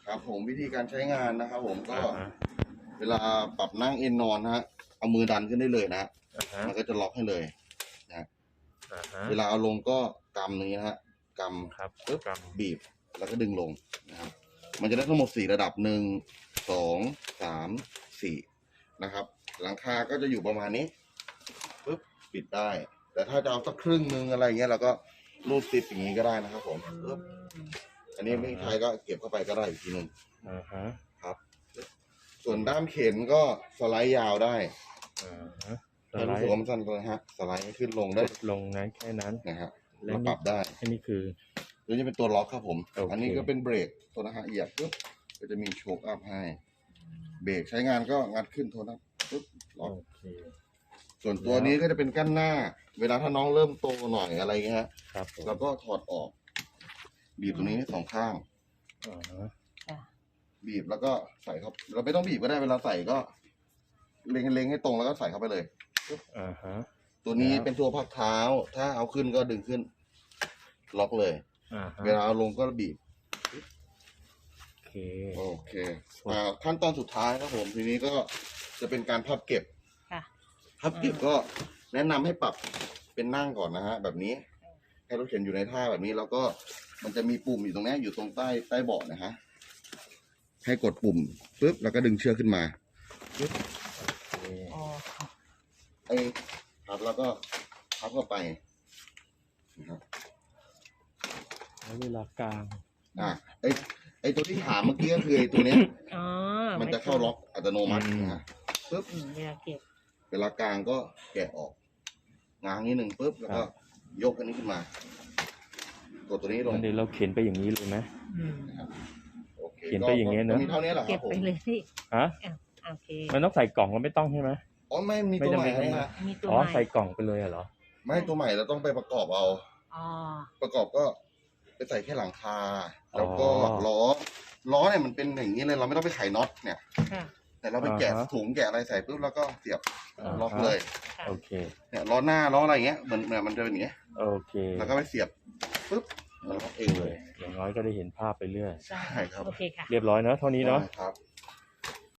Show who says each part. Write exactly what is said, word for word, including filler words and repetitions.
Speaker 1: ครับผมวิธีการใช้งานนะครับผมก็
Speaker 2: อ่าฮะ
Speaker 1: เวลาปรับนั่งเอนนอนนะฮะเอามือดันขึ้นได้เลยนะฮะ
Speaker 2: อ่าฮะ
Speaker 1: มันก็จะล็อกให้เลยนะ
Speaker 2: อ่าฮะ
Speaker 1: เวลาเอาลงก็กำนี้นะฮะก
Speaker 2: ครับ
Speaker 1: ำปึ๊บ
Speaker 2: ก
Speaker 1: บีบแล้วก็ดึงลงนะครับมันจะได้ทั้งหมดสี่ระดับหนึ่งสองสามสี่นะครับหลังคาก็จะอยู่ประมาณนี้ปึ๊บปิดได้ แต่ถ้าจะเอาสักครึ่งนึงอะไรเงี้ยเราก็รูดซิปอย่างนี้ก็ได้นะครับผมปึ๊บอันนี้ไม่ใช้ก็เก็บเข้าไปก็ได้อีกทีหนึง
Speaker 2: ำอ่าฮะ
Speaker 1: ครับ ส่วนด้ามเข็นก็สไลด์ยาวได้
Speaker 2: อ่าฮะส
Speaker 1: ถ้า
Speaker 2: ไล
Speaker 1: รู้สึก
Speaker 2: ด์
Speaker 1: ว่ามันสั้นเลยฮะสไลด์ให้ขึ้นลงได้
Speaker 2: ลงนั้นแค่นั้น
Speaker 1: นะฮะ
Speaker 2: และ
Speaker 1: เรา
Speaker 2: นี่
Speaker 1: ปรับได้
Speaker 2: อันนี้คือ
Speaker 1: ตัวนี้เป็นตัวล็อกครับผม
Speaker 2: โอเค
Speaker 1: อันนี้ก็เป็นเบรกตัวนะฮะเหยียบปุ๊บก็จะมีโชคอัพให้ เบรกใช้งานก็งัดขึ้นโทนะปุ๊บล็อก
Speaker 2: โอเค
Speaker 1: ส่วนตัวนี้ก็จะเป็นกั้นหน้า เวลาถ้าน้องเริ่มโตหน่อยอะไรเงี้ยฮะ
Speaker 2: ครับผม
Speaker 1: เราก็ถอดออก บีบตรงนี้สองข้าง
Speaker 2: อ่าฮะ
Speaker 1: บีบแล้วก็ใส่เข้าเราไม่ต้องบีบก็ได้เวลาใส่ก็ เล็งเล็งให้ตรงแล้วก็ใส่เข้าไปเลย
Speaker 2: อ่าฮะ
Speaker 1: ตัวนี้
Speaker 2: แล้ว
Speaker 1: เป็นตัวพักเท้า ถ้าเอาขึ้นก็ดึงขึ้น ล็อกเลย
Speaker 2: อ่าฮะ
Speaker 1: เวลาเอาลงก็บีบ
Speaker 2: โอเค
Speaker 1: โอเคอ่าขั้นตอนสุดท้ายครับผม ทีนี้ก็จะเป็นการพับเก็บ
Speaker 3: ค่ะ
Speaker 1: พับเก็บก็แนะนำให้ปรับเป็นนั่งก่อนนะฮะแบบนี้ ให้รถเข็นอยู่ในท่าแบบนี้แล้วก็มันจะมีปุ่มอยู่ตรงนี้อยู่ตรงใต้ใต้เบาะนะฮะให้กดปุ่มปุ๊บแล้วก็ดึงเชือกขึ้นมาปุ๊บ
Speaker 2: โอเค
Speaker 3: อ๋อ
Speaker 1: ไอ้พับแล้วก็พับเข้าไปนะครับ
Speaker 2: แล้วเวลากลาง
Speaker 1: อ่ะไอ้ไอ้ตัวที่ถามเมื่อกี้ก็คือไอ้ตัวเนี้ย
Speaker 3: อ๋อ
Speaker 1: มันจะเข้าล็อกอัตโนมัตินะฮะปุ๊บ
Speaker 3: อืมเวลาเก็บ
Speaker 1: เวลากลางก็แกะออกง้างนิดหนึ่งปุ๊บแล้วก็ยกอันนี้ขึ้นมา กดตัวนี้ลง
Speaker 2: งั้นเดี๋ยวเราเขียนไปอย่างนี้เลยไหม
Speaker 3: อืม
Speaker 1: โอเค
Speaker 2: เขียนไปอย่างเงี้ยเนอะ
Speaker 1: ก็มีเท่านี้แหละค
Speaker 3: เก็
Speaker 1: รั
Speaker 3: บบ
Speaker 1: ผม
Speaker 3: ไปเลยพี่
Speaker 2: ฮะ
Speaker 3: อ่ะโอเค
Speaker 2: มันต้องใส่กล่องก็ไม่ต้องใช่ไหม
Speaker 1: อ๋อไม่มี
Speaker 2: ไม่
Speaker 1: ตัว
Speaker 2: จำ
Speaker 1: ให
Speaker 2: เป็
Speaker 1: ม่
Speaker 2: น
Speaker 1: นะฮะ
Speaker 3: มีตัว
Speaker 2: อ๋อ
Speaker 3: ใหม่
Speaker 2: ใส่กล่องไปเลยเหรอ
Speaker 1: ไม่ตัวใหม่เราต้องไปประกอบเอา
Speaker 3: อ๋อ
Speaker 1: ประกอบก็ไปใส่แค่หลังคา แล้วก็
Speaker 2: อ๋อ
Speaker 1: ล้อล้อเนี่ยมันเป็นอย่างนี้เลยเราไม่ต้องไปไขน็อตเนี่ย
Speaker 3: ค่ะ
Speaker 1: แต่เราไปแกะ
Speaker 2: อ่าฮะ
Speaker 1: ถุงแกะอะไรใส่ปุ๊บแล้วก็เสียบ
Speaker 2: อ่า
Speaker 1: ล็อก
Speaker 2: ฮะ
Speaker 1: เลย
Speaker 3: ค่ะ
Speaker 2: โอเค
Speaker 1: เนี่ยล้อหน้าล้ออะไรเงี้ยเหมือนเหมือนมันจะเป็นอย่างเงี้ย
Speaker 2: โอเค
Speaker 1: แล้วก็ไปเสียบปุ๊บมันล็อกเองเลย
Speaker 2: อย่างน้อยก็ได้เห็นภาพไปเรื่อย
Speaker 3: ได้
Speaker 1: ใช่ครับ
Speaker 3: โอเคค่ะ
Speaker 2: เรียบร้อยเนอะเท่านี้เนาะ
Speaker 1: ครับ